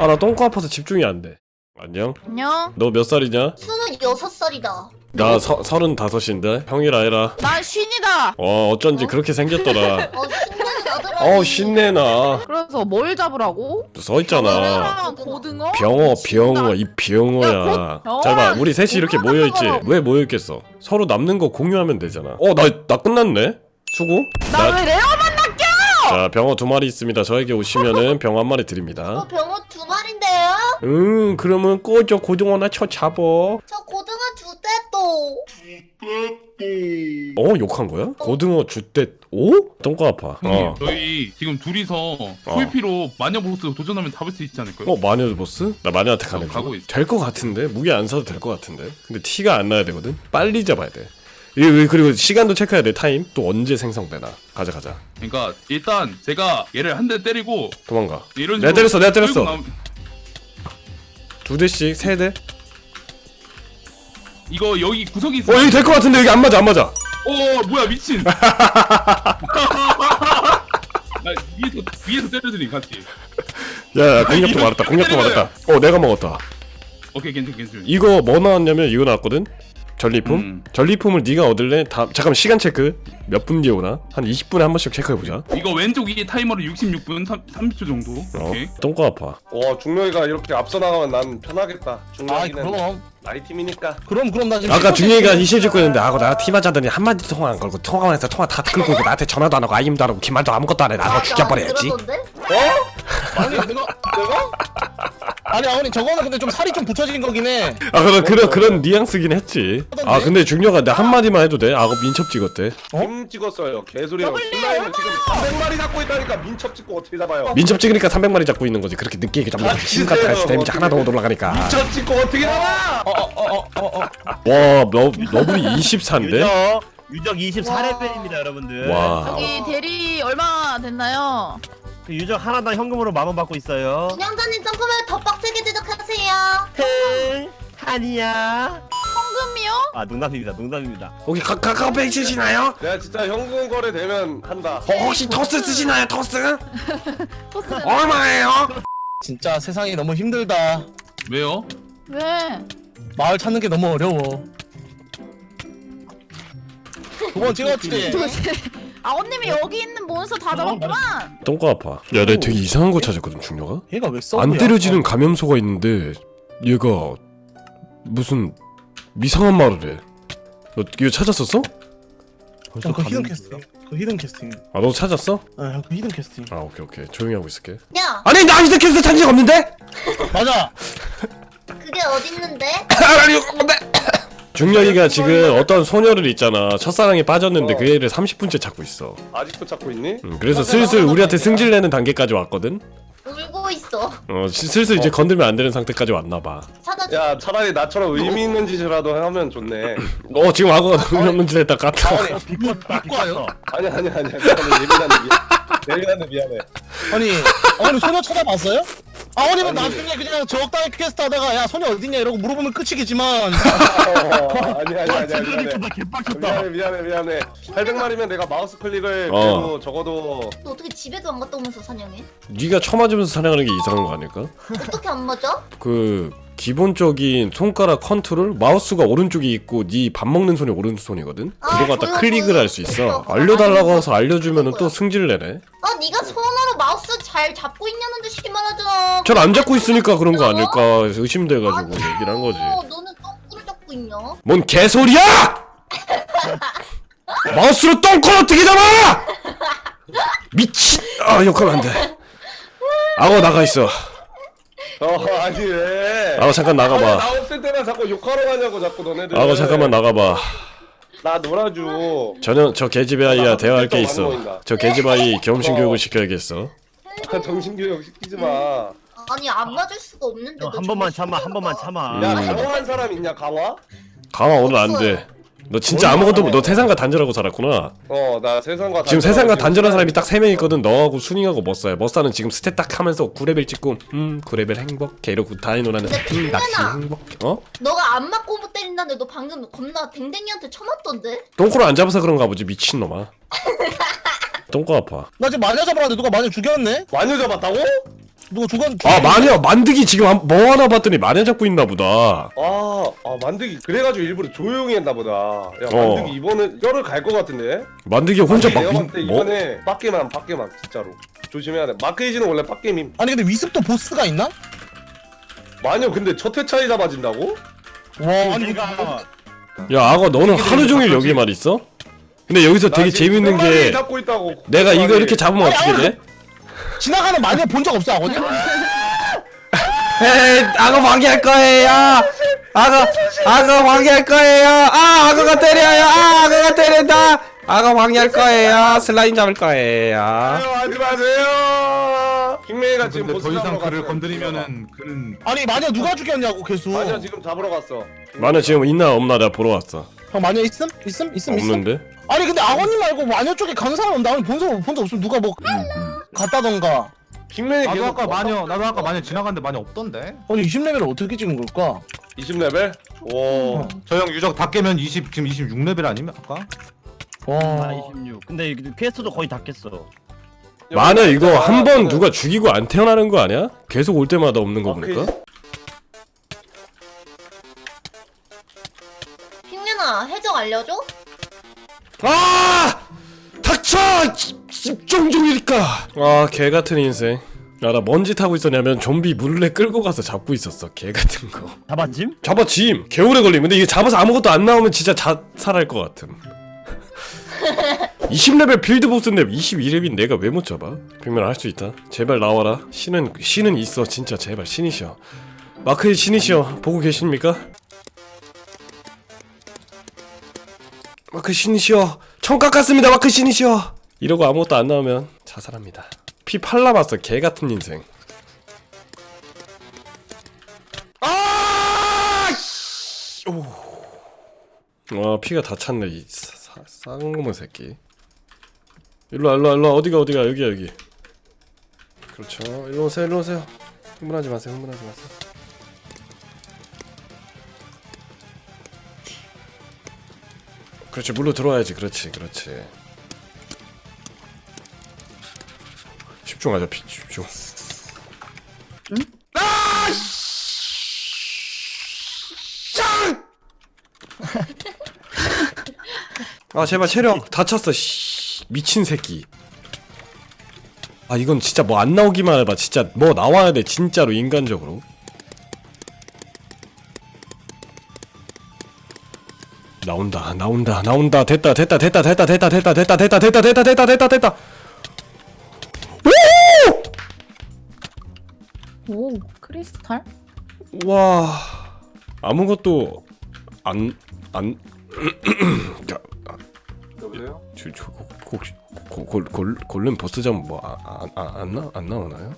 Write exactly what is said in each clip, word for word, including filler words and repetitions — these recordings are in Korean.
아 나 똥꼬 아파서 집중이 안 돼. 안녕? 안녕. 너 몇 살이냐? 스물여섯 살이다. 나 서, 서른다섯인데? 형이라 해라. 나 쉰이다. 어 어쩐지 어? 그렇게 생겼더라. 어, 신나는 나더라. 어 신내나. 그래서 뭘 잡으라고? 써있잖아. 고등어랑 고등어? 병어 병어 이 야, 병어야. 곧- 잘 봐 어, 우리 셋이 이렇게 고등어 모여있지? 먹으러. 왜 모여있겠어? 서로 남는 거 공유하면 되잖아. 어 나 나 끝났네? 수고? 나 왜 레어만 낚여? 자 병어 두 마리 있습니다. 저에게 오시면은 병어 한 마리 드립니다. 어, 병어 두 마리인데요? 음 그러면 꺼져 고등어나 쳐 잡어. 저 고등어 두 대도. 어 욕한 거야? 고등어 주대 오? 똥꼬 아파. 형님 어. 저희 지금 둘이서 풀피로 마녀 보스 도전하면 잡을 수 있지 않을까요? 어 마녀 보스? 나 마녀한테 가는 어, 가고 거. 있어. 될 거 같은데 무게 안 사도 될 거 같은데. 근데 티가 안 나야 되거든. 빨리 잡아야 돼. 이 그리고 시간도 체크해야 돼. 타임 또 언제 생성되나. 가자 가자. 그러니까 일단 제가 얘를 한 대 때리고 도망가. 이런 내가 때렸어 내가 때렸어. 나오... 두 대씩 세 대. 이거 여기 구석이 있어. 어 여기 될 거 같은데 여기 안 맞아 안 맞아. 어 뭐야 미친. 나 위에서 위에서 때려드리 같이. 야야 공격도 말았다 공격도 말았다. 어 내가 먹었다. 오케이 괜찮 괜찮. 이거 뭐 나왔냐면 이거 나왔거든. 전리품? 음. 전리품을 네가 얻을래? 다 잠깐만 시간 체크 몇 분 뒤에 오나? 한 이십 분에 한 번씩 체크해보자. 이거 왼쪽 위에 타이머로 육십육 분 삼십 초 정도. 어 오케이. 똥꼬 아파. 와 중력이가 이렇게 앞서 나가면 난 편하겠다. 아 중력이는 그럼 나이 팀이니까. 그럼 그럼 나 지금 아까 중이가 이실 짓고 있는데 아고 나 팀하자더니 한마디 통화 안 걸고 통화만 해서 통화 다 끌고 있고 나한테 전화도 안 하고 아임도 안 하고 기말도 아무것도 안 해. 나고 죽여버려야지. 그러던데? 아니 내가 내가 아니 아버님 저거는 근데 좀 살이 좀 붙여진 거긴 해. 아 그런 그런 그런 뉘앙스긴 했지. 아 근데 중요가 나 한마디만 해도 돼? 아고 민첩 찍었대. 팀 찍었어요. 개소리라고. 슬라임을 지금 삼백 마리 잡고 있다니까 민첩 찍고 어떻게 잡아요? 민첩 찍으니까 삼백 마리 잡고 있는 거지. 그렇게 늦게 잡는 거지. 신 같은 거 데미지 하나도 못 올라가니까. 민첩 찍고 어떻게 잡아? 어어어어어 와 너, 너블이 이십사인데? 유적 유적 이십사 레벨입니다 여러분들. 와 저기 대리 얼마 됐나요? 그 유적 하나당 현금으로 만 원 받고 있어요. 운영자님 점프를 더 빡세게 제작하세요. 헐 아니야. 현금이요? 아 농담입니다 농담입니다. 혹시 카, 카카오페이 쓰시나요? 내가 진짜 현금 거래 되면 한다. 어, 혹시 토스 쓰시나요 토스? 토스 얼마예요? 진짜 세상이 너무 힘들다. 왜요? 왜? 마을 찾는 게 너무 어려워. 두 번 찍었지. 아버님이 여기 있는 몬스터 다 잡았구만. 똥꼬 아파. 야 내가 되게 이상한 거 찾았거든 중녀가? 얘가 왜 써? 안 때려지는 감염소가 있는데 얘가 무슨 이상한 말을 해. 너 이거 찾았었어? 그 히든 캐스팅. 그 히든 캐스팅. 아 너 찾았어? 아, 그 히든 캐스팅. 아 오케이 오케이 조용히 하고 있을게. 야, 아니 나 아직도 캐스트 찾은 적 없는데? 맞아. 그게 어딨는데? 아니 뭔데? 중력이가 지금 어떤 소녀를 있잖아 첫사랑에 빠졌는데 어. 그 애를 삼십 분째 찾고 있어. 아직도 찾고 있니? 음, 그래서 슬슬 우리한테 승질내는 단계까지 왔거든. 울고 있어. 어 시- 슬슬 이제 건들면 안 되는 상태까지 왔나봐. 찾아줘. 야 차라리 나처럼 의미 있는 짓이라도 하면 좋네. 어 지금 악어가 의미 없는 짓 했다 깠다. 아니 비꼬 비꼬요. 아니 아니 아니 미안해 예민한데 미안. 예민한데 미안해. 아니 아버님 소녀 찾아봤어요? 아버님은 나중에 그냥 적당히 퀘스트 하다가 야 소녀 어딨냐 이러고 물어보면 끝이겠지만 어, 아니 아니 아니 아니 미안해. 나 개빡쳤다. 미안해 미안해 미안해. 팔백 마리면 내가 마우스 클릭을 어. 그래도 적어도 너 어떻게 집에도 안 갔다 오면서 사냥해? 네가 쳐맞으면서 사냥하는 게 이상한 거 아닐까? 어떻게 안 맞아? 그 기본적인 손가락 컨트롤 마우스가 오른쪽에 있고 네 밥 먹는 손이 오른손이거든. 아, 그거 갖다 보여, 클릭을 보여. 할 수 있어. 그거 알려달라고 알려줘. 해서 알려주면은 또 그거야. 승질 내네. 아, 네가 손으로 마우스 잘 잡고 있냐는 듯이 말하잖아. 잘 안 잡고 있으니까 그런 거 아닐까 의심돼가지고 얘기를 한 거지. 어, 너는 똥꾸를 잡고 있냐? 뭔 개소리야! 마우스로 똥콜 어떻게 잡아! 미친! 아 욕하면 안 돼. 악어 나가 있어. 어 아니 왜? 악어 잠깐 아니, 나가봐. 나 없을 때만 자꾸 욕하러 가냐고 자꾸 너네들. 악어 잠깐만 나가봐. 나 놀아줘. 저는 저 개집애 아이야 대화할 게 안 있어. 보인다. 저 개집 아이 겸신 교육을 시켜야겠어. 정신교육 시키지 마. 아니, 안 맞을 수가 없는데. 어, 너 한 번만 정말 참아 한 번만 참아. 음. 야 강화한 사람 있냐 강화? 강화 오늘 안 돼. 너 진짜 아무것도 못- 너 세상과 단절하고 살았구나. 어 나 세상과 지금 세상과 단절한 사람이 딱 딱 세 명 있거든. 너하고 순이하고 머싸야. 머싸는 지금 스탯 딱 하면서 구 레벨 찍고 음 구 레벨 행복해 이러고 다이노라는 음 낚시 행복해. 어? 너가 안 맞고 못 때린다는데 너 방금 겁나 댕댕이한테 쳐맞던데? 똥꼬를 안 잡아서 그런가 보지 미친놈아. 똥꼬 아파. 나 지금 마녀 잡으라는데 누가 마녀 죽였네? 마녀 잡았다고? 누가 조간 아 마녀 만드기 지금 한- 뭐 하나 봤더니 마녀 잡고 있나 보다. 아, 아 만드기 그래가지고 일부러 조용히 했나 보다. 야 어. 만드기 이번은 열을 갈 것 같은데. 만드기 혼자 아니, 막 내가 민, 봤을 때 뭐? 이번에 빡게만 빡게만 진짜로 조심해야 돼. 마크이지는 원래 빡게임. 아니 근데 위습도 보스가 있나? 마녀 근데 첫 회차에 잡아진다고? 와 아니 이거 야 악어 너는 하루 종일 여기만 있어? 근데 여기서 되게 재밌는 게 잡고 있다고. 내가 이거 이렇게 잡으면 어떻게 돼? 지나가는 마녀 본 적 없어 아버님? 에이 악어 방해할 거예요. 악어 악어 방해할 거예요. 아 악어가 때려요. 아 악어가 때린다. 악어 방해할 거예요. 슬라임 잡을 거예요. 아유 하지 마세요. 킹메이가 지금 근데 보스 더 이상 잡으러 그를 갔어요. 건드리면은 그는 아니 마녀 누가 죽였냐고 계속. 마녀 지금 잡으러 갔어. 마녀 지금 있나 없나 내가 보러 왔어. 형 마녀 있음? 있음? 있음? 있음? 없는데? 아니 근데 아버님 말고 마녀 쪽에 간 사람 없나? 아니 본적 본적 없으면 누가 뭐 갔다던가. 킹메이 나도 계속 아까 마녀 나도 아까 마녀 지나갔는데 마녀 없던데. 아니 이십 레벨을 어떻게 찍은 걸까? 이십 레벨? 오. 저 형 유적 다 깨면 이십 지금 이십육 레벨 아니면 아까? 와. 아 이십육. 근데 퀘스트도 거의 다 깼어. 마녀 이거 한 번 누가 죽이고 안 태어나는 거 아니야? 계속 올 때마다 없는 거 보니까. 핑맨아 해적 알려줘? 아! 닥쳐! 집중중이니까. 아, 개 같은 인생. 야, 나 뭔 짓 하고 있었냐면 좀비 물레 끌고 가서 잡고 있었어. 개 같은 거. 잡았짐? 잡아 짐. 개오래 걸림. 근데 이게 잡아서 아무것도 안 나오면 진짜 자살할 것 같음. 이십 레벨 빌드 보스인데 이십이 레벨인 내가 왜 못 잡아? 빅맨 할 수 있다. 제발 나와라. 신은 신은 있어. 진짜 제발 신이셔. 마크의 신이시여 보고 계십니까? 마크 신이시여 청 깎았습니다. 마크 신이시여. 이러고 아무것도 안 나오면 자살합니다. 피 팔 남았어. 개 같은 인생. 아! 씨! 오. 와 피가 다 찼네 이 사, 쌍놈의 새끼. 일로와 일로와 일로와. 어디가 어디가 여기야 여기. 그렇죠. 일로 오세요 일로 오세요. 흥분하지 마세요 흥분하지 마세요. 그렇지 물로 들어와야지. 그렇지 그렇지. 집중하자 피 집중. 응? 아! 짱! 아 제발 체력 다 찼어. 씨, 미친 새끼. 아 이건 진짜 뭐 안 나오기만 해봐. 진짜 뭐 나와야 돼 진짜로 인간적으로. 나온다 나온다 나온다. 됐다 됐다 됐다 됐다 됐다 됐다 됐다 됐다 됐다 됐다 됐다 됐다 됐다. 오 크리스탈? 와 아무것도 안 안 여보세요? 저, 저, 혹시 고, 골, 골, 골렘 보스 잡으면 뭐안안 나, 안 나오나요?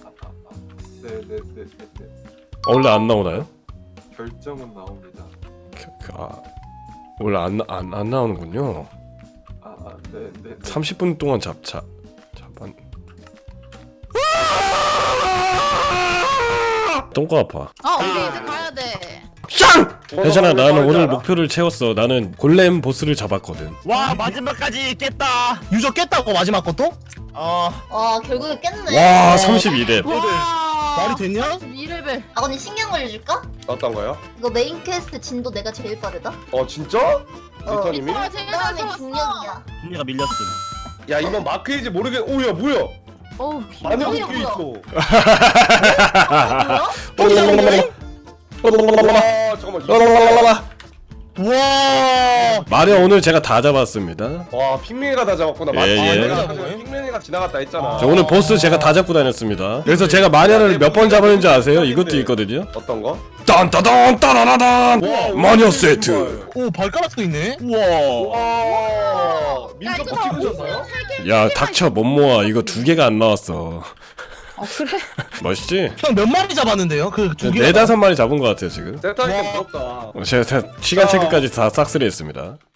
네네네네. 원래 안 나오나요? 결정은 나옵니다. 그, 그, 아 원래 안 안 안 나오는군요. 아, 아 네네. 삼십 분 동안 잡자 잡안. 똥꼬 아파. 아 우리 이제 가야 돼. 짱! 괜찮아 나는 오늘 목표를 채웠어. 나는 골렘 보스를 잡았거든. 와 마지막까지 깼다. 유적 깼다고 마지막 것도? 어. 와 결국에 깼네. 와 삼십이 렙. 와 말이 됐냐? 이 레벨. 아버님 신경 걸려줄까? 어떤 거요? 이거 메인 퀘스트 진도 내가 제일 빠르다. 어 진짜? 리터님이? 와 제일 잘 그다음에 잡았어. 중력이야. 분리가 밀렸음. 야 이번 마크이지 모르겠. 오야 뭐야? 어우 마녀 뭐야, 뒤에 뭐야? 있어. 뭐야? 와 잠깐만. 라라라라라. 와. 마녀 오늘 제가 다 잡았습니다. 와 핑맨이가 다 잡았구나. 예, 맞다. 예. 내가 핑맨이가 지나갔다 했잖아. 저 오늘 보스 제가 다 잡고 다녔습니다. 그래서 제가 마녀를 몇 번 잡았는지 아세요? 이것도 있거든요. 어떤 거? 딴따단 따라라단 마녀 세트. 오 발가락도 있네. 우와. 와 야 민첩 이거 다 찍으셨어요? 야 닥쳐 못 모아. 이거 두 개가 안 나왔어. 아 그래? 멋있지? 형 몇 마리 잡았는데요? 그 두 개. 네다섯 마리 잡은 것 같아요 지금. 세타니까 부럽다. 제가 다 시간 체크까지 다 싹쓸이 했습니다.